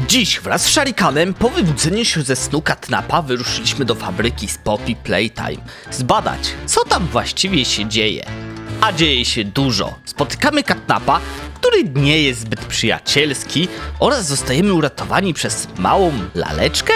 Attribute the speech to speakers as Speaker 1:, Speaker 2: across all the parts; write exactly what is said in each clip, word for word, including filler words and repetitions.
Speaker 1: Dziś wraz z Sharikanem po wybudzeniu się ze snu Katnapa wyruszyliśmy do fabryki z Poppy Playtime zbadać, co tam właściwie się dzieje. A dzieje się dużo. Spotykamy Katnapa, który nie jest zbyt przyjacielski, oraz zostajemy uratowani przez małą laleczkę?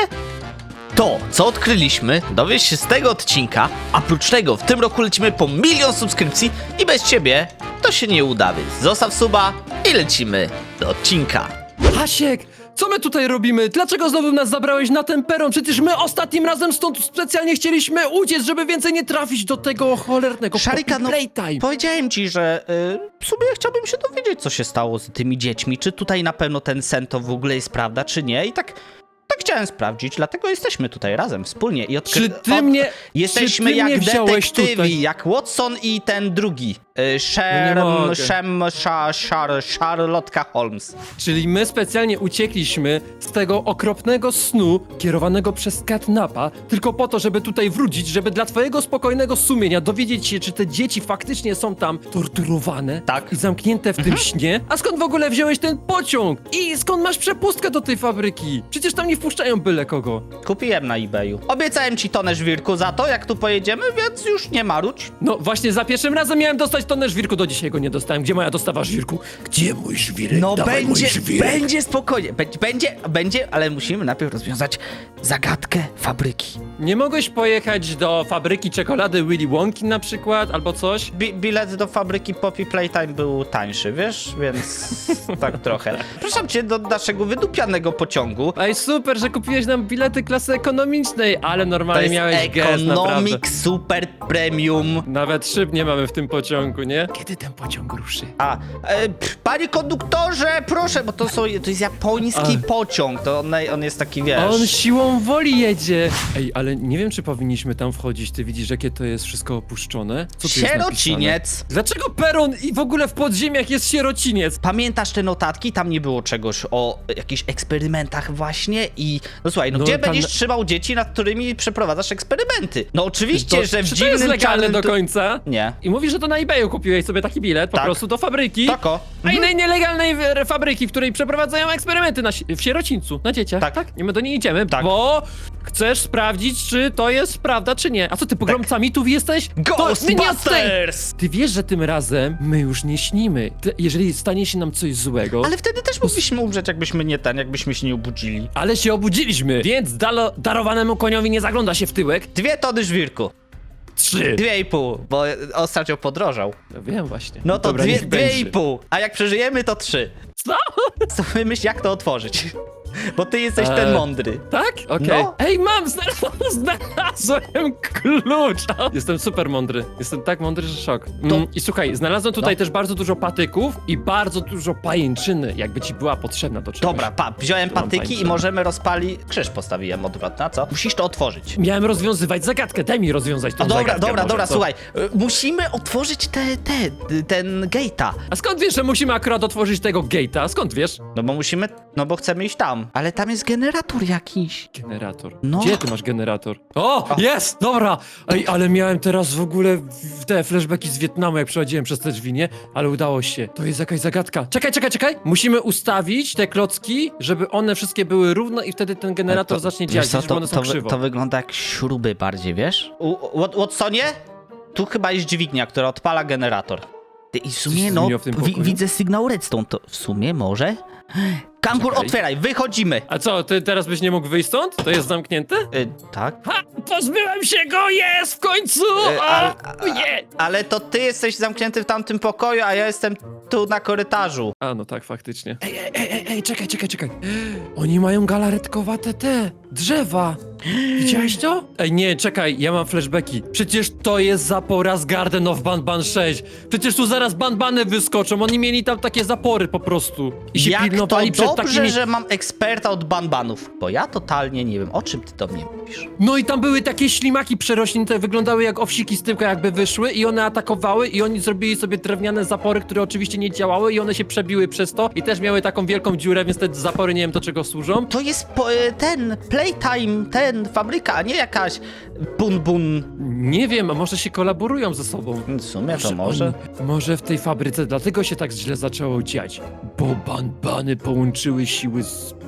Speaker 1: To, co odkryliśmy, dowiesz się z tego odcinka, a prócz tego w tym roku lecimy po milion subskrypcji i bez ciebie to się nie uda, więc zostaw suba i lecimy do odcinka.
Speaker 2: Hasiek, co my tutaj robimy? Dlaczego znowu nas zabrałeś na ten peron? Przecież my ostatnim razem stąd specjalnie chcieliśmy uciec, żeby więcej nie trafić do tego cholernego
Speaker 1: Sharika,
Speaker 2: Poppy
Speaker 1: no,
Speaker 2: Playtime.
Speaker 1: powiedziałem ci, że y, w sumie chciałbym się dowiedzieć, co się stało z tymi dziećmi. Czy tutaj na pewno ten sen to w ogóle jest prawda, czy nie? I tak, tak chciałem sprawdzić, dlatego jesteśmy tutaj razem, wspólnie. I odkry...
Speaker 2: Czy ty
Speaker 1: od...
Speaker 2: mnie...
Speaker 1: Jesteśmy
Speaker 2: czy ty
Speaker 1: jak
Speaker 2: mnie wziąłeś
Speaker 1: detektywi,
Speaker 2: tutaj?
Speaker 1: jak Watson i ten drugi. Y,
Speaker 2: No nie
Speaker 1: Sherm,
Speaker 2: mogę.
Speaker 1: Shem, Sha, Shar, Charlotka Holmes.
Speaker 2: Czyli my specjalnie uciekliśmy z tego okropnego snu kierowanego przez Katnapa, tylko po to, żeby tutaj wrócić, żeby dla twojego spokojnego sumienia dowiedzieć się, czy te dzieci faktycznie są tam torturowane
Speaker 1: Tak.
Speaker 2: i zamknięte w tym śnie. A skąd w ogóle wziąłeś ten pociąg? I skąd masz przepustkę do tej fabryki? Przecież tam nie wpuszczają byle kogo.
Speaker 1: Kupiłem na eBayu. Obiecałem ci tonę żwirku za to, jak tu pojedziemy, więc już nie marudź.
Speaker 2: No właśnie za pierwszym razem miałem dostać tonę żwirku, do dzisiaj go nie dostałem. Gdzie moja dostawa żwirku? Gdzie mój żwirek?
Speaker 1: No
Speaker 2: Dawaj
Speaker 1: będzie,
Speaker 2: mój żwirek.
Speaker 1: będzie spokojnie, będzie, będzie, będzie, ale musimy najpierw rozwiązać zagadkę fabryki.
Speaker 2: Nie mogłeś pojechać do fabryki czekolady Willy Wonki na przykład, albo coś?
Speaker 1: Bi bilet do fabryki Poppy Playtime był tańszy, wiesz, więc tak trochę. Proszę cię do naszego wydupianego pociągu.
Speaker 2: Ej, super, że kupiłeś nam bilety klasy ekonomicznej, ale
Speaker 1: To
Speaker 2: normalnie
Speaker 1: jest
Speaker 2: miałeś gest, naprawdę.
Speaker 1: Economic Super Premium.
Speaker 2: Nawet szyb nie mamy w tym pociągu, nie? Kiedy ten pociąg ruszy?
Speaker 1: A, e, pff, panie konduktorze, proszę, bo to, są, to jest japoński
Speaker 2: A.
Speaker 1: pociąg, to on, on jest taki, wiesz...
Speaker 2: On siłą woli jedzie! Ej, ale nie wiem, czy powinniśmy tam wchodzić. Ty widzisz, jakie to jest wszystko opuszczone? Co tu jest napisane?
Speaker 1: Sierociniec.
Speaker 2: Dlaczego peron i w ogóle w podziemiach jest sierociniec?
Speaker 1: Pamiętasz te notatki? Tam nie było czegoś o jakichś eksperymentach właśnie i... No słuchaj, no,
Speaker 2: No,
Speaker 1: gdzie
Speaker 2: tam-
Speaker 1: będziesz trzymał dzieci, nad którymi przeprowadzasz eksperymenty? No oczywiście,
Speaker 2: To,
Speaker 1: że w
Speaker 2: czy to jest
Speaker 1: dziwnym
Speaker 2: legalne
Speaker 1: czarnym
Speaker 2: do
Speaker 1: tu-
Speaker 2: końca?
Speaker 1: Nie.
Speaker 2: I mówisz, że to na eBayu kupiłeś sobie taki bilet po
Speaker 1: Tak.
Speaker 2: prostu do fabryki.
Speaker 1: Tako.
Speaker 2: A innej nielegalnej w- fabryki, w której przeprowadzają eksperymenty na, si- w sierocińcu, na dzieciach.
Speaker 1: Tak.
Speaker 2: tak? I my do niej idziemy,
Speaker 1: Tak.
Speaker 2: bo chcesz sprawdzić, czy to jest prawda, czy nie. A co ty, pogromcami tu jesteś? To my nie od tej-
Speaker 1: Ghostbusters!
Speaker 2: Ty wiesz, że tym razem my już nie śnimy. Ty, jeżeli stanie się nam coś złego,
Speaker 1: Ale wtedy też mogliśmy umrzeć, jakbyśmy nie ten, jakbyśmy się nie obudzili.
Speaker 2: ale się obudziliśmy, więc dalo, darowanemu koniowi nie zagląda się w tyłek.
Speaker 1: Dwie tony żwirku.
Speaker 2: Trzy.
Speaker 1: Dwie i pół, bo ostatnio podrożał.
Speaker 2: No wiem właśnie.
Speaker 1: No to
Speaker 2: Dobra,
Speaker 1: dwie,
Speaker 2: niech
Speaker 1: dwie i
Speaker 2: będzie.
Speaker 1: pół. A jak przeżyjemy, to trzy.
Speaker 2: Co?
Speaker 1: Co wymyśl, jak to otworzyć? Bo ty jesteś
Speaker 2: Eee.
Speaker 1: ten mądry.
Speaker 2: Tak? Okej.
Speaker 1: No.
Speaker 2: Ej, mam! Znalazłem, znalazłem klucz! Jestem super mądry. Jestem tak mądry, że szok. Mm, I słuchaj, znalazłem tutaj
Speaker 1: No.
Speaker 2: też bardzo dużo patyków i bardzo dużo pajęczyny, jakby ci była potrzebna do czegoś.
Speaker 1: Dobra, pa, wziąłem
Speaker 2: Tu mam
Speaker 1: patyki i
Speaker 2: pańczyny.
Speaker 1: możemy rozpalić... Krzyż postawiłem odwrotna, co? Musisz to otworzyć.
Speaker 2: Miałem rozwiązywać zagadkę, daj mi rozwiązać tą
Speaker 1: No dobra,
Speaker 2: zagadkę
Speaker 1: dobra,
Speaker 2: może,
Speaker 1: dobra,
Speaker 2: co?
Speaker 1: słuchaj. y, Musimy otworzyć te, te, ten gate'a.
Speaker 2: A skąd wiesz, że musimy akurat otworzyć tego gate'a? Skąd wiesz?
Speaker 1: No bo musimy, no bo chcemy iść tam. Ale tam jest generator jakiś.
Speaker 2: Generator.
Speaker 1: No.
Speaker 2: Gdzie ty masz generator? O, jest! Dobra! Ej, ale miałem teraz w ogóle w- te flashbacki z Wietnamu, jak przechodziłem przez te drzwi, nie? Ale udało się. To jest jakaś zagadka. Czekaj, czekaj, czekaj! Musimy ustawić te klocki, żeby one wszystkie były równo i wtedy ten generator zacznie działać,
Speaker 1: Wiesz co,
Speaker 2: widzisz, bo
Speaker 1: to,
Speaker 2: one są
Speaker 1: to, wy-
Speaker 2: krzywo.
Speaker 1: to wygląda jak śruby bardziej, wiesz? U, Wat- Watsonie? Tu chyba jest dźwignia, która odpala generator. Ty, I w
Speaker 2: Coś
Speaker 1: sumie,
Speaker 2: się
Speaker 1: no,
Speaker 2: zmieniło w tym
Speaker 1: wi
Speaker 2: pokoju?
Speaker 1: widzę sygnał redstone, to w sumie może? Kangur,
Speaker 2: Czekaj.
Speaker 1: otwieraj, wychodzimy!
Speaker 2: A co, ty teraz byś nie mógł wyjść stąd? To jest zamknięte?
Speaker 1: Y, tak?
Speaker 2: Ha! Pozbyłem się go! Jest! W końcu!
Speaker 1: Y,
Speaker 2: A,
Speaker 1: ale,
Speaker 2: nie!
Speaker 1: ale to ty jesteś zamknięty w tamtym pokoju, a ja jestem tu na korytarzu.
Speaker 2: A, no tak, faktycznie. Ej, ej, ej, ej, ej, czekaj, czekaj, czekaj. Oni mają galaretkowate te drzewa. Widziałeś to? Ej, nie, czekaj, ja mam flashbacki. Przecież to jest zapora z Garden of Banban sześć. Przecież tu zaraz banbany wyskoczą. Oni mieli tam takie zapory po prostu. I się
Speaker 1: Jak to
Speaker 2: pilnowali przed
Speaker 1: dobrze,
Speaker 2: takimi...
Speaker 1: że mam eksperta od banbanów, bo ja totalnie nie wiem, o czym ty do mnie mówisz.
Speaker 2: No i tam były takie ślimaki przerośnięte, wyglądały jak owsiki z tyłka jakby wyszły i one atakowały i oni zrobili sobie drewniane zapory, które oczywiście nie działały i one się przebiły przez to i też miały taką wielką dziurę, więc te zapory nie wiem do czego służą.
Speaker 1: To jest po, e, ten Playtime, ten fabryka, a nie jakaś bun bun.
Speaker 2: Nie wiem, a może się kolaborują ze sobą.
Speaker 1: W sumie to może.
Speaker 2: Oni, może w tej fabryce dlatego się tak źle zaczęło dziać, bo banbany połączyły siły z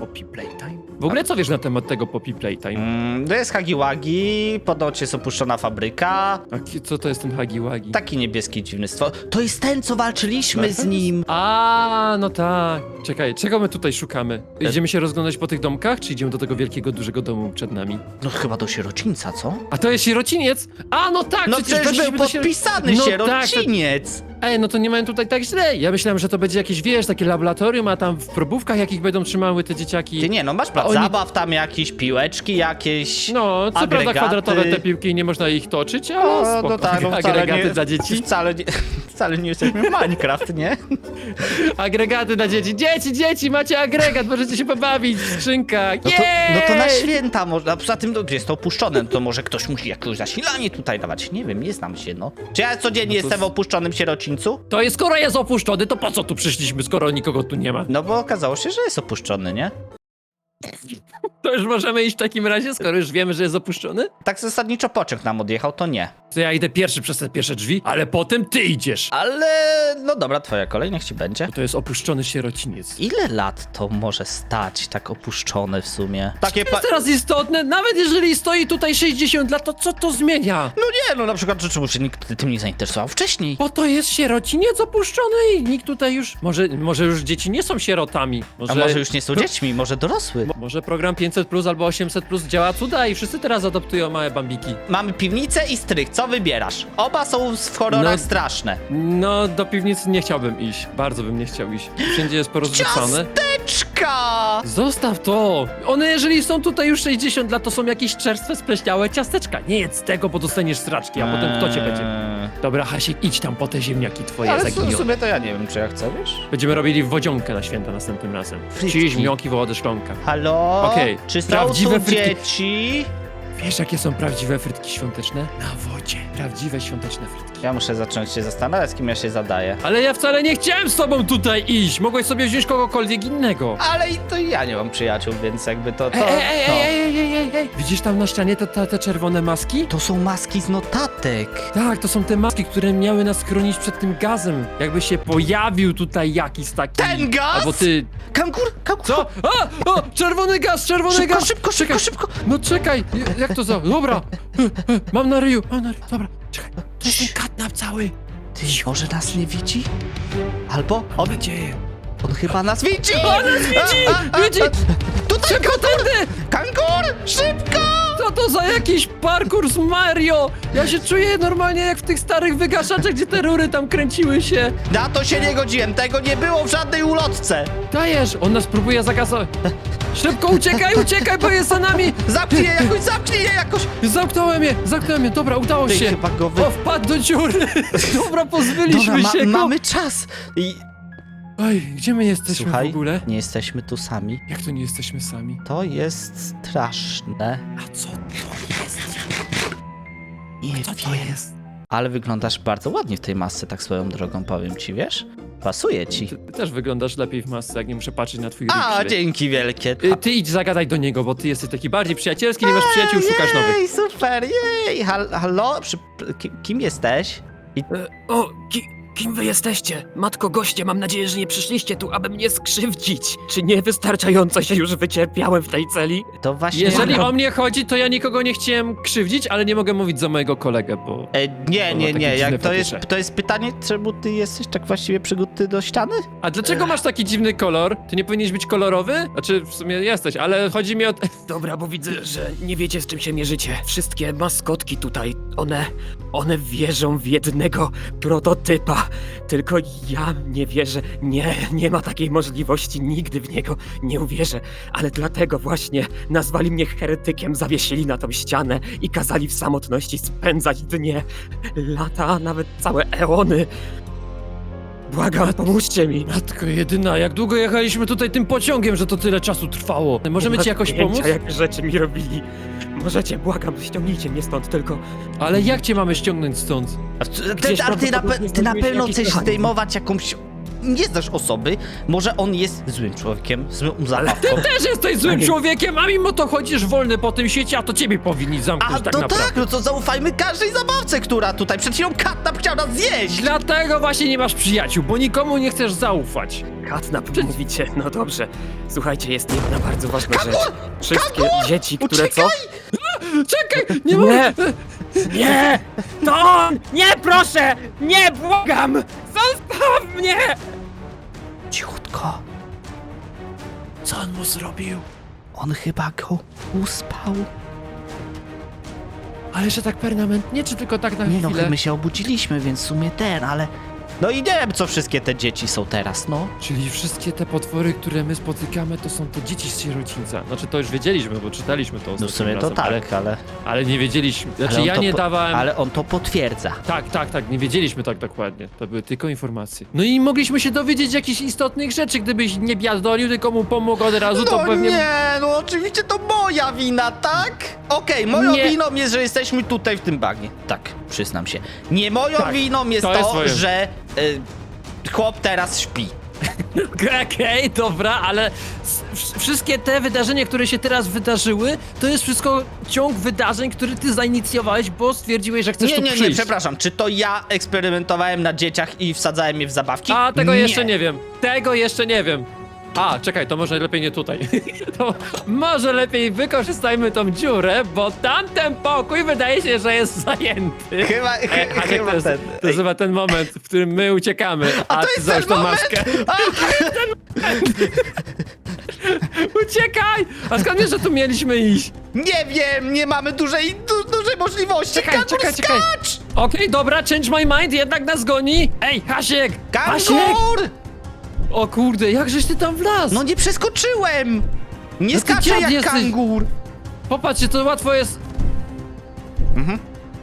Speaker 2: Poppy Playtime? W ogóle co wiesz na temat tego Poppy Playtime?
Speaker 1: Mm, to jest Hagiwagi, ponoć jest opuszczona fabryka.
Speaker 2: A ki- co to jest ten Hagiwagi?
Speaker 1: Taki niebieski dziwny stwór. To jest ten, co walczyliśmy z nim.
Speaker 2: A, no tak. Czekaj, czego my tutaj szukamy? Idziemy się rozglądać po tych domkach, czy idziemy do tego wielkiego, dużego domu przed nami?
Speaker 1: No chyba do sierocińca, co?
Speaker 2: A to jest sierociniec? A, no tak,
Speaker 1: No
Speaker 2: przecież
Speaker 1: przecież
Speaker 2: weszliśmy
Speaker 1: był
Speaker 2: do siero-
Speaker 1: podpisany
Speaker 2: No tak,
Speaker 1: sierociniec.
Speaker 2: Ej, no to nie mają tutaj tak źle. Ja myślałem, że to będzie jakieś, wiesz, takie laboratorium, a tam w probówkach jakich będą trzymały te dzieciaki.
Speaker 1: Ty nie, no masz plac
Speaker 2: oni-
Speaker 1: zabaw, tam jakieś piłeczki, jakieś.
Speaker 2: No, co prawda
Speaker 1: agregaty.
Speaker 2: kwadratowe te piłki i nie można ich toczyć, ale
Speaker 1: O,
Speaker 2: spoko.
Speaker 1: no tak, no wcale
Speaker 2: Agregaty
Speaker 1: nie,
Speaker 2: dla dzieci.
Speaker 1: Wcale nie, wcale nie jesteśmy w Minecraft, nie?
Speaker 2: Agregaty dla dzieci. Dzieci, dzieci, macie agregat, możecie się pobawić w skrzynkach.
Speaker 1: No to, no to na
Speaker 2: Jej!
Speaker 1: święta można, a poza tym no, jest to opuszczone, no to może ktoś musi jakieś zasilanie tutaj dawać, nie wiem, nie znam się, no. Czy ja codziennie
Speaker 2: No to
Speaker 1: jestem w
Speaker 2: z-
Speaker 1: opuszczonym sierocińcu?
Speaker 2: To jest, skoro jest opuszczony, to po co tu przyszliśmy, skoro nikogo tu nie ma?
Speaker 1: No bo okazało się, że jest opuszczony, nie?
Speaker 2: To już możemy iść w takim razie, skoro już wiemy, że jest opuszczony?
Speaker 1: Tak zasadniczo pociąg nam odjechał, to nie.
Speaker 2: To ja idę pierwszy przez te pierwsze drzwi, ale potem ty idziesz.
Speaker 1: Ale, no dobra, twoja kolej, niech ci będzie.
Speaker 2: Bo to jest opuszczony sierociniec.
Speaker 1: Ile lat to może stać tak opuszczone w sumie? Takie
Speaker 2: To
Speaker 1: pa...
Speaker 2: jest teraz istotne, nawet jeżeli stoi tutaj sześćdziesiąt lat, to co to zmienia?
Speaker 1: No nie, no na przykład, że czemu się nikt tym nie zainteresował wcześniej?
Speaker 2: Bo to jest sierociniec opuszczony i nikt tutaj już... Może, może już dzieci nie są sierotami. Może,
Speaker 1: A może już nie są dziećmi, może dorosły?
Speaker 2: Mo- Może program pięćset plus albo osiemset plus działa cuda i wszyscy teraz adoptują małe bambiki.
Speaker 1: Mamy piwnicę i strych, co wybierasz? Oba są w horrorach
Speaker 2: No-
Speaker 1: straszne.
Speaker 2: No, do piwnicy nie chciałbym iść. Bardzo bym nie chciał iść. Wszędzie jest porozrzucane.
Speaker 1: Ciasteczka!
Speaker 2: Zostaw to! One jeżeli są tutaj już sześćdziesiąt lat, to są jakieś czerstwe, spleśniałe ciasteczka. Nie jedz tego, bo dostaniesz straczki, a potem kto cię będzie...
Speaker 1: Eee,
Speaker 2: Dobra, Hasiek, idź tam po te ziemniaki twoje
Speaker 1: Ale w
Speaker 2: zaginione.
Speaker 1: sumie to ja nie wiem, czy ja chcę, wiesz?
Speaker 2: Będziemy robili wodzionkę na święta następnym razem.
Speaker 1: Frytki.
Speaker 2: Ci ziemniaki wołody szklonka.
Speaker 1: Halo?
Speaker 2: Okej,
Speaker 1: Czy są
Speaker 2: prawdziwe
Speaker 1: tu
Speaker 2: frytki-
Speaker 1: dzieci?
Speaker 2: Wiesz, jakie są prawdziwe frytki świąteczne? Na wodzie. Prawdziwe świąteczne frytki.
Speaker 1: Ja muszę zacząć się zastanawiać, z kim ja się zadaję.
Speaker 2: Ale ja wcale nie chciałem z tobą tutaj iść! Mogłeś sobie wziąć kogokolwiek innego.
Speaker 1: Ale i to ja nie mam przyjaciół, więc jakby to... to
Speaker 2: Ej, ej, ej,
Speaker 1: no.
Speaker 2: ej, ej, ej, ej, ej! Widzisz tam na ścianie te, te, te czerwone maski?
Speaker 1: To są maski z notatek.
Speaker 2: Tak, to są te maski, które miały nas chronić przed tym gazem. Jakby się pojawił tutaj jakiś taki...
Speaker 1: Ten gaz?
Speaker 2: Albo ty...
Speaker 1: Kangur, kangur.
Speaker 2: Co? A! O! Czerwony gaz, czerwony
Speaker 1: Szybko,
Speaker 2: gaz!
Speaker 1: szybko, szybko, szybko.
Speaker 2: No czekaj, jak to za... Dobra! Mam na ryju, mam na ryju, dobra. Czekaj, to jest ten katnap cały.
Speaker 1: Ty, może nas nie widzi? Albo on,
Speaker 2: nadzieję.
Speaker 1: on chyba nas widzi!
Speaker 2: On nas widzi!
Speaker 1: A, a, a,
Speaker 2: Widzi!
Speaker 1: Tutaj
Speaker 2: Szybko tędy!
Speaker 1: kangur! Szybko!
Speaker 2: Co to za jakiś parkour z Mario? Ja się czuję normalnie jak w tych starych wygaszaczach, gdzie te rury tam kręciły się.
Speaker 1: Na to się nie godziłem, tego nie było w żadnej ulotce!
Speaker 2: Dajesz, on nas próbuje zagasować. Szybko uciekaj, uciekaj, bo jest za nami!
Speaker 1: Zamknij je jakoś, zamknij je jakoś!
Speaker 2: Zamknąłem je, zamknąłem je, dobra, udało
Speaker 1: Ty
Speaker 2: się.
Speaker 1: chyba go wy...
Speaker 2: O, wpadł do dziury. Dobra, pozbyliśmy
Speaker 1: Dobra, ma,
Speaker 2: się go.
Speaker 1: mamy czas! I...
Speaker 2: Oj, gdzie my jesteśmy
Speaker 1: Słuchaj,
Speaker 2: w ogóle?
Speaker 1: nie jesteśmy tu sami.
Speaker 2: Jak to nie jesteśmy sami?
Speaker 1: To jest straszne.
Speaker 2: A co to jest?
Speaker 1: Nie
Speaker 2: Co to jest?
Speaker 1: Ale wyglądasz bardzo ładnie w tej masce, tak swoją drogą powiem ci, wiesz? Pasuje ci.
Speaker 2: Ty, ty też wyglądasz lepiej w masce, jak nie muszę patrzeć na twój
Speaker 1: A,
Speaker 2: ryj.
Speaker 1: dzięki wielkie.
Speaker 2: Y, Ty idź zagadaj do niego, bo ty jesteś taki bardziej przyjacielski, nie masz przyjaciół, szukasz nowych.
Speaker 1: Jej, super, jej! Hal, halo? Przy, kim, kim jesteś? I,
Speaker 3: E, O, ki, kim wy jesteście? Matko goście, mam nadzieję, że nie przyszliście tu, aby mnie skrzywdzić. Czy nie wystarczająco się już wycierpiałem w tej celi?
Speaker 1: to właśnie...
Speaker 2: Jeżeli o mnie chodzi, to ja nikogo nie chciałem krzywdzić, ale nie mogę mówić za mojego kolegę, bo...
Speaker 1: E, nie,
Speaker 2: To
Speaker 1: nie,
Speaker 2: ma takie
Speaker 1: nie, jak
Speaker 2: dziwne
Speaker 1: to jest,
Speaker 2: fetysze.
Speaker 1: to jest pytanie, czemu ty jesteś tak właściwie przyguty do ściany?
Speaker 2: A dlaczego masz taki dziwny kolor? Ty nie powinieneś być kolorowy? Znaczy, w sumie jesteś, ale chodzi mi o...
Speaker 3: Dobra, bo widzę, że nie wiecie, z czym się mierzycie. Wszystkie maskotki tutaj, one... one wierzą w jednego prototypa. Tylko ja nie wierzę. Nie, nie ma takiej możliwości. Nigdy w niego nie uwierzę. Ale dlatego właśnie nazwali mnie heretykiem, zawiesili na tą ścianę i kazali w samotności spędzać dnie, lata, a nawet całe eony. Błagam, pomóżcie mi.
Speaker 2: Matko jedyna, jak długo jechaliśmy tutaj tym pociągiem, że to tyle czasu trwało? Możemy ci jakoś
Speaker 3: Pojęcia,
Speaker 2: pomóc?
Speaker 3: jakie rzeczy mi robili. Możecie, błagam, ściągnijcie mnie stąd, tylko...
Speaker 2: Ale jak cię mamy ściągnąć stąd?
Speaker 1: A ty,
Speaker 3: Gdzieś
Speaker 1: a ty, na, pe-
Speaker 3: prawdopodobnie
Speaker 1: ty na
Speaker 3: znajdziecie
Speaker 1: pewno
Speaker 3: jakiś
Speaker 1: chcesz
Speaker 3: mechanizm.
Speaker 1: zdejmować jakąś... Nie znasz osoby, może on jest złym człowiekiem, złą zabawką.
Speaker 2: Też jesteś złym
Speaker 3: Panie-
Speaker 2: człowiekiem, a mimo to chodzisz wolny po tym świecie, a to ciebie powinni zamknąć
Speaker 1: A
Speaker 2: tak
Speaker 1: to
Speaker 2: naprawdę.
Speaker 1: tak, no to zaufajmy każdej zabawce, która tutaj przed chwilą katnap chciał nas zjeść!
Speaker 2: Dlatego właśnie nie masz przyjaciół, bo nikomu nie chcesz zaufać.
Speaker 3: Katnap, mówicie, no dobrze. Słuchajcie, jest jedna bardzo ważna rzecz. Wszystkie dzieci, które co?
Speaker 2: Czekaj, nie
Speaker 3: Nie!
Speaker 2: mogę!
Speaker 3: Nie! To on! Nie, proszę! Nie, błagam! Zostaw mnie!
Speaker 1: Cichutko.
Speaker 2: Co on mu zrobił?
Speaker 1: On chyba go uspał.
Speaker 2: Ale że tak permanentnie, czy tylko tak na
Speaker 1: Nie no,
Speaker 2: chwilę?
Speaker 1: my się obudziliśmy, więc w sumie ten, ale... No i nie wiem, co wszystkie te dzieci są teraz, no.
Speaker 2: Czyli wszystkie te potwory, które my spotykamy, to są te dzieci z sierocińca. Znaczy to już wiedzieliśmy, bo czytaliśmy to
Speaker 1: No
Speaker 2: ostatnim
Speaker 1: w sumie to
Speaker 2: razem,
Speaker 1: tak,
Speaker 2: ale,
Speaker 1: ale...
Speaker 2: ale nie wiedzieliśmy. Znaczy
Speaker 1: ale on
Speaker 2: ja
Speaker 1: to
Speaker 2: nie
Speaker 1: po-
Speaker 2: dawałem...
Speaker 1: Ale on to potwierdza.
Speaker 2: Tak, tak, tak, nie wiedzieliśmy tak dokładnie. To były tylko informacje. No i mogliśmy się dowiedzieć jakichś istotnych rzeczy, gdybyś nie biadolił, tylko mu pomógł od razu, to
Speaker 1: No
Speaker 2: pewnie...
Speaker 1: nie, no oczywiście to moja wina, tak? Okej, moją
Speaker 2: Nie.
Speaker 1: winą jest, że jesteśmy tutaj w tym bagnie. Tak, przyznam się. Nie moją
Speaker 2: Tak,
Speaker 1: winą jest
Speaker 2: to
Speaker 1: to,
Speaker 2: jest twoje.
Speaker 1: że y, chłop teraz śpi.
Speaker 2: Okej, dobra, ale s- wsz- wszystkie te wydarzenia, które się teraz wydarzyły, to jest wszystko ciąg wydarzeń, który ty zainicjowałeś, bo stwierdziłeś, że chcesz
Speaker 1: Nie,
Speaker 2: tu
Speaker 1: nie, nie,
Speaker 2: przyjść.
Speaker 1: przepraszam. Czy to ja eksperymentowałem na dzieciach i wsadzałem je w zabawki?
Speaker 2: A, tego jeszcze nie wiem. Tego jeszcze nie wiem. A, czekaj, to może lepiej nie tutaj. To może lepiej wykorzystajmy tą dziurę, bo tamten pokój wydaje się, że jest zajęty.
Speaker 1: Chyba,
Speaker 2: Ej,
Speaker 1: ch-
Speaker 2: Haniek,
Speaker 1: chyba
Speaker 2: to jest,
Speaker 1: ten.
Speaker 2: to jest chyba ten moment, w którym my uciekamy, a,
Speaker 1: A to
Speaker 2: ty
Speaker 1: jest
Speaker 2: załóż
Speaker 1: ten
Speaker 2: tą
Speaker 1: moment?
Speaker 2: maskę.
Speaker 1: A,
Speaker 2: Uciekaj! A skąd wiesz, że tu mieliśmy iść?
Speaker 1: nie wiem, nie mamy dużej, du, dużej możliwości.
Speaker 2: Czekaj,
Speaker 1: Kangur,
Speaker 2: czekaj, czekaj.
Speaker 1: skacz!
Speaker 2: Okej, dobra, change my mind, jednak nas goni. Ej, Hasiek! Hasiek!
Speaker 1: Kangur!
Speaker 2: O kurde, jakżeś ty tam wlazł?
Speaker 1: No nie przeskoczyłem! Nie
Speaker 2: No ty
Speaker 1: skaczę
Speaker 2: dziad
Speaker 1: jak
Speaker 2: jesteś.
Speaker 1: kangur!
Speaker 2: Popatrzcie, to łatwo jest...
Speaker 1: Mhm.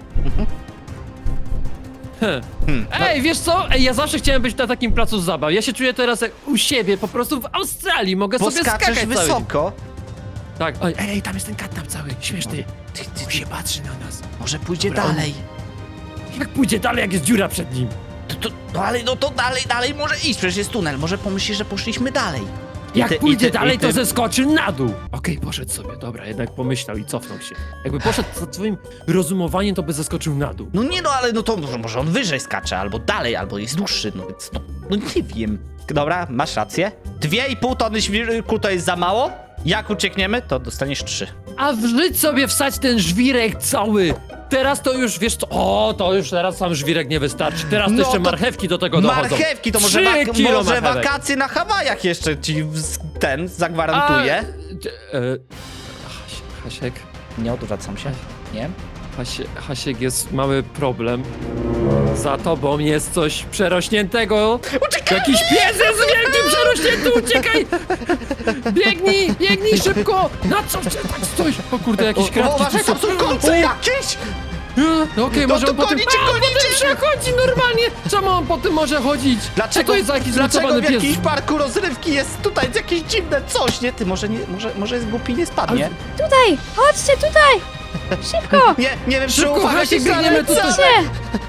Speaker 2: Heh.
Speaker 1: Hmm.
Speaker 2: Ej, wiesz co? Ej, ja zawsze chciałem być na takim placu zabaw. Ja się czuję teraz jak u siebie, po prostu w Australii. Mogę
Speaker 1: Bo
Speaker 2: sobie
Speaker 1: skaczesz
Speaker 2: skakać cały dzień.
Speaker 1: wysoko.
Speaker 2: Tak. Ej, ej, tam jest ten kat tam cały, śmieszny.
Speaker 1: Ty, ty,
Speaker 2: On się patrzy na nas.
Speaker 1: może pójdzie
Speaker 2: Dobra,
Speaker 1: dalej.
Speaker 2: Jak pójdzie dalej, jak jest dziura przed nim?
Speaker 1: To, to, no ale no to dalej, dalej może iść, przecież jest tunel. Może pomyśli, że poszliśmy dalej. I
Speaker 2: Jak
Speaker 1: ty- i
Speaker 2: pójdzie
Speaker 1: ty-
Speaker 2: dalej,
Speaker 1: i ty-
Speaker 2: to zeskoczy na dół. Okej, poszedł sobie, dobra, jednak pomyślał i cofnął się. Jakby poszedł za twoim rozumowaniem, to by zeskoczył na dół.
Speaker 1: No nie no, ale no to może, może on wyżej skacze, albo dalej, albo jest dłuższy, no więc no, no nie wiem. Dobra, masz rację. Dwie i pół tony świrku to jest za mało? Jak uciekniemy, to dostaniesz trzy.
Speaker 2: A wrzyć sobie wsać ten żwirek cały. Teraz to już, wiesz co, o, to już teraz sam żwirek nie wystarczy. Teraz to
Speaker 1: No
Speaker 2: jeszcze
Speaker 1: to
Speaker 2: marchewki do tego dochodzą.
Speaker 1: Marchewki, to może,
Speaker 2: Trzy
Speaker 1: wak-
Speaker 2: kilo
Speaker 1: może
Speaker 2: marchewek.
Speaker 1: wakacje na Hawajach jeszcze ci z- ten zagwarantuję.
Speaker 2: A, e, Hasie- Hasiek,
Speaker 1: Nie odwracam się, nie?
Speaker 2: Hasie, Hasiek, jest mały problem. Za tobą jest coś przerośniętego.
Speaker 1: Uciekaj!
Speaker 2: Jakiś pies jest wielkim przerośnięty, uciekaj! Biegnij, biegnij szybko! Na co się tak stoisz? O kurde, jakieś
Speaker 1: O,
Speaker 2: kratki
Speaker 1: uważaj,
Speaker 2: tu są.
Speaker 1: tam są kolce jakieś!
Speaker 2: No okej,
Speaker 1: No
Speaker 2: może
Speaker 1: to
Speaker 2: on potem...
Speaker 1: gonicie,
Speaker 2: A,
Speaker 1: gonicie!
Speaker 2: potem przechodzi normalnie! Czemu on potem może chodzić? Co
Speaker 1: Dlaczego,
Speaker 2: to jest za jakiś
Speaker 1: dlaczego
Speaker 2: zmutowany
Speaker 1: w
Speaker 2: pies?
Speaker 1: jakimś parku rozrywki jest tutaj jakieś dziwne coś, nie? Ty, może, nie, może, może jest głupi i nie spadnie?
Speaker 4: Tutaj! Chodźcie tutaj! Szybko!
Speaker 1: Nie, nie wiem, czy
Speaker 2: Szybko,
Speaker 1: ufam
Speaker 2: Hasiek,
Speaker 1: jakiejś
Speaker 2: biegniemy
Speaker 1: lalce.
Speaker 2: tutaj.
Speaker 4: Chodźcie!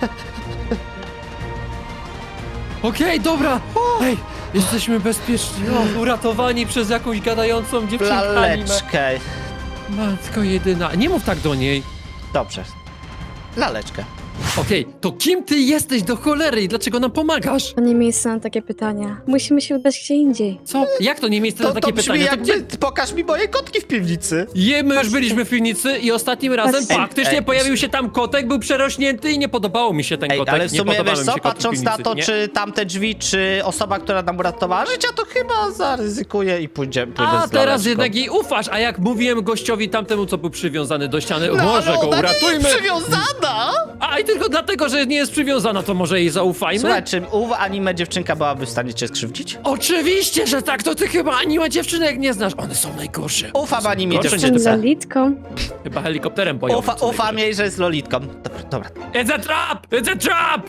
Speaker 2: Okej, dobra! Ej, jesteśmy bezpieczni. O, uratowani przez jakąś gadającą dziewczynkę anime.
Speaker 1: Laleczkę.
Speaker 2: Matko jedyna. Nie mów tak do niej.
Speaker 1: Dobrze. Laleczkę.
Speaker 2: Okej, to kim ty jesteś do cholery i dlaczego nam pomagasz?
Speaker 4: To nie miejsce na takie pytania. Musimy się udać gdzie indziej.
Speaker 2: Co? Jak to nie miejsce
Speaker 1: To,
Speaker 2: na
Speaker 1: to
Speaker 2: takie
Speaker 1: brzmi
Speaker 2: pytania? To
Speaker 1: jakby,
Speaker 2: gdzie...
Speaker 1: pokaż mi moje kotki w piwnicy.
Speaker 2: Je, my już byliśmy w piwnicy i ostatnim razem
Speaker 4: Patrzcie.
Speaker 2: faktycznie
Speaker 1: Ej,
Speaker 2: pojawił się tam kotek, był przerośnięty i nie podobało mi się ten
Speaker 1: Ej,
Speaker 2: kotek.
Speaker 1: ale w
Speaker 2: nie
Speaker 1: sumie
Speaker 2: podobały
Speaker 1: wiesz
Speaker 2: mi
Speaker 1: co,
Speaker 2: się kotki w
Speaker 1: patrząc na
Speaker 2: piwnicy,
Speaker 1: to,
Speaker 2: nie?
Speaker 1: czy tamte drzwi, czy osoba, która nam uratowała życie, to chyba zaryzykuje i pójdzie, pójdę
Speaker 2: A
Speaker 1: z
Speaker 2: teraz
Speaker 1: laleczką.
Speaker 2: jednak jej ufasz, a jak mówiłem gościowi tamtemu, co był przywiązany do ściany,
Speaker 1: No,
Speaker 2: może
Speaker 1: ale
Speaker 2: go
Speaker 1: ona nie
Speaker 2: uratujmy.
Speaker 1: jest przywiązana!
Speaker 2: A i tylko dlatego, że nie jest przywiązana, to może jej zaufajmy?
Speaker 1: Słuchaj, czy ów anime dziewczynka byłaby w stanie cię skrzywdzić?
Speaker 2: Oczywiście, że tak, to ty chyba anime dziewczynek nie znasz, one są najgorsze.
Speaker 1: Ufam anime
Speaker 2: Gorsze niż
Speaker 4: Jestem
Speaker 1: dziewczynce.
Speaker 4: Lolitką.
Speaker 2: Chyba helikopterem boją.
Speaker 1: Ufa, ufam jej, że jest lolitką. Dobra, dobra.
Speaker 2: It's a trap! It's a trap!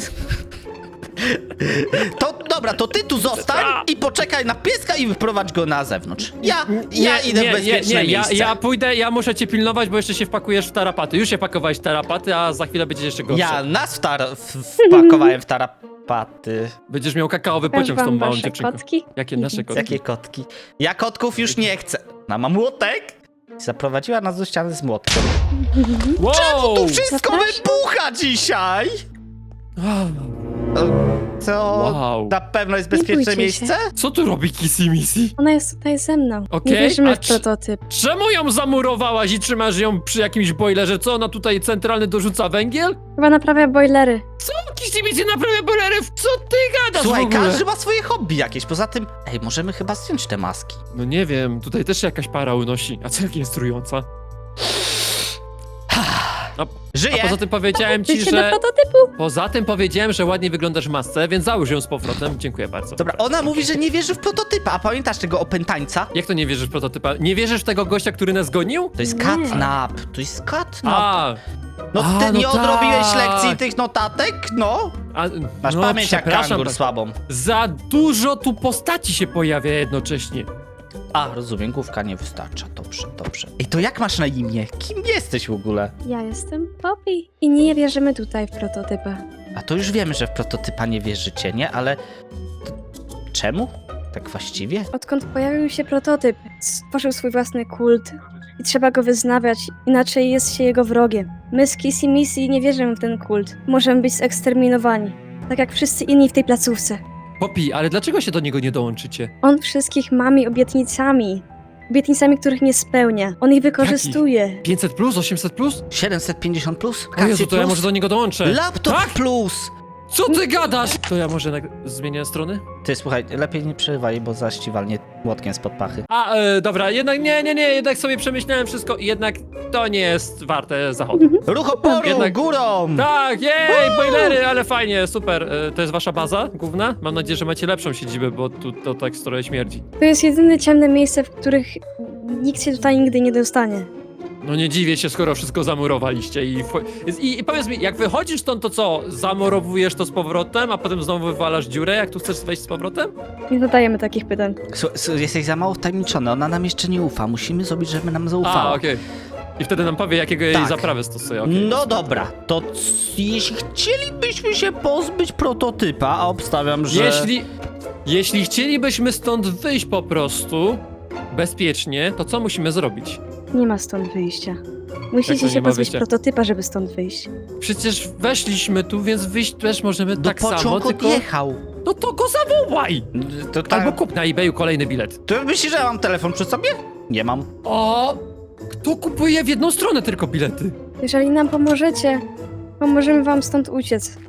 Speaker 1: To dobra, to ty tu zostań i poczekaj na pieska i wyprowadź go na zewnątrz. Ja,
Speaker 2: Nie,
Speaker 1: ja idę
Speaker 2: nie,
Speaker 1: w bezpieczne
Speaker 2: nie, nie, ja,
Speaker 1: miejsce.
Speaker 2: ja pójdę, ja muszę cię pilnować, bo jeszcze się wpakujesz w tarapaty. Już się pakowałeś w tarapaty, a za chwilę będziesz jeszcze gorszy.
Speaker 1: Ja nas w tar- w- wpakowałem w tarapaty.
Speaker 2: Będziesz miał kakaowy
Speaker 4: Pokaż
Speaker 2: pociąg z tą
Speaker 4: wam
Speaker 2: małą
Speaker 4: wasze
Speaker 2: dziewczynką.
Speaker 4: kotki?
Speaker 2: Jakie nasze kotki?
Speaker 1: Jakie kotki? Ja kotków już nie chcę. Na mam młotek. Zaprowadziła nas do ściany z młotkiem.
Speaker 2: Wow!
Speaker 1: Tu wszystko
Speaker 4: Zapraszam.
Speaker 1: wybucha dzisiaj! To
Speaker 2: Wow.
Speaker 1: na pewno jest
Speaker 4: Nie
Speaker 1: bezpieczne
Speaker 4: bójcie
Speaker 1: miejsce?
Speaker 4: się.
Speaker 2: Co tu robi Kissy Missy?
Speaker 4: Ona jest tutaj ze mną.
Speaker 2: Okej,
Speaker 4: Nie wierzymy
Speaker 2: a
Speaker 4: w
Speaker 2: czy-
Speaker 4: prototyp.
Speaker 2: Czemu ją zamurowałaś i trzymasz ją przy jakimś boilerze? Co, ona tutaj centralny dorzuca węgiel?
Speaker 4: Chyba naprawia bojlery.
Speaker 2: Co? Kissy Missy naprawia boilerów? Co ty gadasz
Speaker 1: Słuchaj,
Speaker 2: w ogóle?
Speaker 1: każdy ma swoje hobby jakieś. Poza tym, ej, możemy chyba zdjąć te maski.
Speaker 2: No nie wiem, tutaj też się jakaś para unosi, a celki jest trująca. A,
Speaker 1: Żyje!
Speaker 2: a poza tym powiedziałem ci,
Speaker 4: Życie do
Speaker 2: że...
Speaker 4: prototypu.
Speaker 2: Poza tym powiedziałem, że ładnie wyglądasz w masce, więc załóż ją z powrotem. Dziękuję bardzo.
Speaker 1: Dobra, ona mówi, że nie wierzy w prototypa, a pamiętasz tego opętańca?
Speaker 2: Jak to nie wierzysz w prototypa? Nie wierzysz w tego gościa, który nas gonił?
Speaker 1: To jest
Speaker 4: Nie.
Speaker 1: catnap, to jest catnap.
Speaker 2: A,
Speaker 1: No
Speaker 2: a,
Speaker 1: ty
Speaker 2: no
Speaker 1: nie odrobiłeś
Speaker 2: tak.
Speaker 1: lekcji tych notatek? No.
Speaker 2: a
Speaker 1: Masz
Speaker 2: no,
Speaker 1: pamięć jak
Speaker 2: przepraszam,
Speaker 1: kangur
Speaker 2: tak.
Speaker 1: słabą.
Speaker 2: Za dużo tu postaci się pojawia jednocześnie.
Speaker 1: A, rozumiem, główka nie wystarcza. Dobrze, dobrze. Ej, to jak masz na imię? Kim jesteś w ogóle?
Speaker 4: Ja jestem Poppy. I nie wierzymy tutaj w prototypa.
Speaker 1: A to już wiemy, że w prototypa nie wierzycie, nie? Ale... to czemu? Tak właściwie?
Speaker 4: Odkąd pojawił się prototyp, stworzył swój własny kult. I trzeba go wyznawiać, inaczej jest się jego wrogiem. My z Kissy Missy nie wierzymy w ten kult. Możemy być eksterminowani. Tak jak wszyscy inni w tej placówce.
Speaker 2: Popi, ale dlaczego się do niego nie dołączycie?
Speaker 4: On wszystkich mami obietnicami. Obietnicami, których nie spełnia. On ich wykorzystuje.
Speaker 2: pięćset plus? osiemset plus?
Speaker 1: siedemset pięćdziesiąt plus?
Speaker 2: O Jezu,
Speaker 1: Kasy
Speaker 2: to ja
Speaker 1: plus?
Speaker 2: może do niego dołączę.
Speaker 1: Laptop
Speaker 2: Tak?
Speaker 1: plus!
Speaker 2: Co ty gadasz? To ja może nag- zmienię strony?
Speaker 1: Ty, słuchaj, lepiej nie przerywaj, bo zaś ci walnie młotkiem spod pachy.
Speaker 2: A, e, dobra, jednak nie, nie, nie, jednak sobie przemyślałem wszystko i jednak to nie jest warte zachodu.
Speaker 1: Ruch oporu,
Speaker 2: Jednak-
Speaker 1: górą!
Speaker 2: Tak, jej, boilery, ale fajnie, super. E, to jest wasza baza główna? Mam nadzieję, że macie lepszą siedzibę, bo tu to tak trochę śmierdzi.
Speaker 4: To jest jedyne ciemne miejsce, w których nikt się tutaj nigdy nie dostanie.
Speaker 2: No nie dziwię się, skoro wszystko zamurowaliście i, wcho- i, i powiedz mi, jak wychodzisz stąd, to co, zamurowujesz to z powrotem, a potem znowu wywalasz dziurę, jak tu chcesz wejść z powrotem?
Speaker 4: Nie zadajemy takich pytań.
Speaker 1: Słuchaj, słuchaj, jesteś za mało wtajemniczony, ona nam jeszcze nie ufa. Musimy zrobić, żeby nam zaufała.
Speaker 2: A, okej. I wtedy nam powie, jakiego jej
Speaker 1: Tak.
Speaker 2: zaprawę stosuje, okej.
Speaker 1: No dobra, to c- jeśli chcielibyśmy się pozbyć prototypa, a obstawiam, że...
Speaker 2: Jeśli, jeśli chcielibyśmy stąd wyjść po prostu, bezpiecznie, to co musimy zrobić?
Speaker 4: Nie ma stąd wyjścia.
Speaker 2: Jak to
Speaker 4: Musicie
Speaker 2: nie
Speaker 4: się
Speaker 2: ma
Speaker 4: pozbyć
Speaker 2: wyjścia?
Speaker 4: prototypa, żeby stąd wyjść.
Speaker 2: Przecież weszliśmy tu, więc wyjść też możemy
Speaker 1: Do
Speaker 2: tak samo,
Speaker 1: pociągu
Speaker 2: tylko...
Speaker 1: odjechał.
Speaker 2: No to go zawołaj!
Speaker 1: To tak...
Speaker 2: Albo kup na eBayu kolejny bilet.
Speaker 1: To myślisz, że ja mam telefon przy sobie? Nie mam.
Speaker 2: O! Kto kupuje w jedną stronę tylko bilety?
Speaker 4: Jeżeli nam pomożecie, pomożemy wam stąd uciec.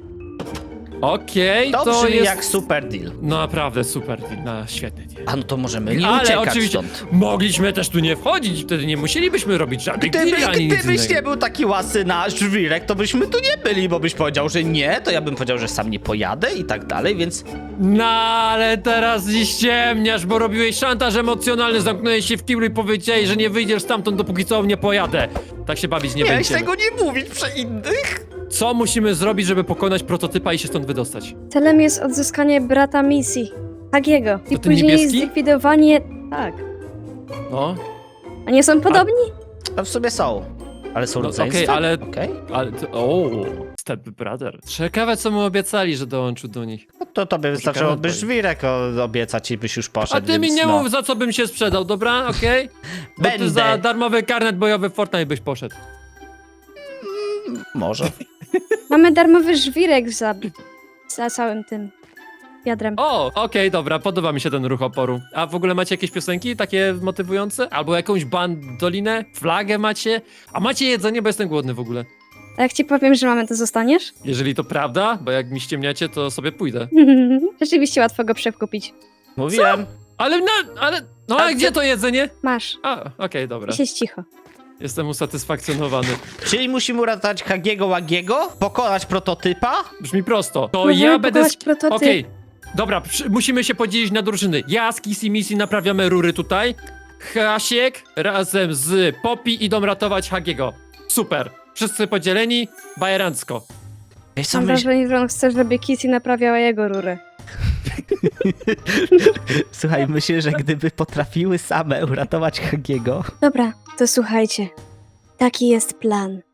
Speaker 2: Okej,
Speaker 1: To,
Speaker 2: to
Speaker 1: brzmi
Speaker 2: jest...
Speaker 1: jak super deal.
Speaker 2: No naprawdę super, no, świetny dzień.
Speaker 1: A no to możemy nie
Speaker 2: Ale
Speaker 1: uciekać
Speaker 2: oczywiście
Speaker 1: stąd.
Speaker 2: mogliśmy też tu nie wchodzić, wtedy nie musielibyśmy robić żadnych
Speaker 1: Gdyby,
Speaker 2: deali ani nic
Speaker 1: gdybyś
Speaker 2: innego.
Speaker 1: nie był taki łasy na żwirek, to byśmy tu nie byli, bo byś powiedział, że nie, to ja bym powiedział, że sam nie pojadę i tak dalej, więc...
Speaker 2: No ale teraz nie ściemniasz, bo robiłeś szantaż emocjonalny, zamknąłeś się w kiblu i powiedziałeś, że nie wyjdziesz stamtąd, dopóki co nie pojadę. Tak się bawić nie
Speaker 1: Miałeś
Speaker 2: będziemy.
Speaker 1: tego nie mówić przy innych.
Speaker 2: Co musimy zrobić, żeby pokonać prototypa i się stąd wydostać?
Speaker 4: Celem jest odzyskanie brata misji, Hagiego. I
Speaker 2: To ten
Speaker 4: później
Speaker 2: niebieski?
Speaker 4: zlikwidowanie... Tak.
Speaker 2: No,
Speaker 4: A nie są podobni?
Speaker 1: No w sobie są, ale są
Speaker 2: No,
Speaker 1: rodzeństwa.
Speaker 2: okej, ale-
Speaker 1: Okej.
Speaker 2: ale to... O, Step Brother. Ciekawe, co mu obiecali, że dołączył do nich.
Speaker 1: No to tobie wystarczyłoby
Speaker 2: odpowiedź.
Speaker 1: żwirek o- obiecać i byś już poszedł,
Speaker 2: A ty mi
Speaker 1: więc
Speaker 2: nie
Speaker 1: no.
Speaker 2: mów, za co bym się sprzedał, dobra? Okej? Bo ty
Speaker 1: Będę.
Speaker 2: za darmowy karnet bojowy w Fortnite byś poszedł.
Speaker 1: Może.
Speaker 4: Mamy darmowy żwirek za, za całym tym wiadrem.
Speaker 2: O, okej, dobra, podoba mi się ten ruch oporu. A w ogóle macie jakieś piosenki takie motywujące? Albo jakąś bandolinę? Flagę macie? A macie jedzenie, bo jestem głodny w ogóle.
Speaker 4: A jak ci powiem, że mamy, to zostaniesz?
Speaker 2: Jeżeli to prawda, bo jak mi ściemniacie, to sobie pójdę.
Speaker 4: Rzeczywiście łatwo go przekupić.
Speaker 1: Mówiłem.
Speaker 2: Ale no, ale... No
Speaker 1: A
Speaker 2: a
Speaker 1: ty-
Speaker 2: gdzie to jedzenie?
Speaker 4: Masz.
Speaker 2: A, okej, dobra.
Speaker 4: I siedź cicho.
Speaker 2: Jestem usatysfakcjonowany.
Speaker 1: Czyli musimy uratować Hagiego Łagiego, pokonać prototypa.
Speaker 2: Brzmi prosto. To
Speaker 4: Możemy
Speaker 2: ja będę...
Speaker 4: pokonać
Speaker 2: sk-
Speaker 4: prototyp.
Speaker 2: Okej, dobra, przy, musimy się podzielić na drużyny. Ja z Kissy Missy naprawiamy rury tutaj. Hasiek razem z Poppy idą ratować Hagiego. Super. Wszyscy podzieleni, bajerancko.
Speaker 1: Wiesz co,
Speaker 4: Mam
Speaker 1: myśl...
Speaker 4: wrażenie, że on chce, żeby Kitty naprawiała jego rurę.
Speaker 1: Słuchaj, myślę, że gdyby potrafiły same uratować Hagiego...
Speaker 4: Dobra, to słuchajcie. Taki jest plan.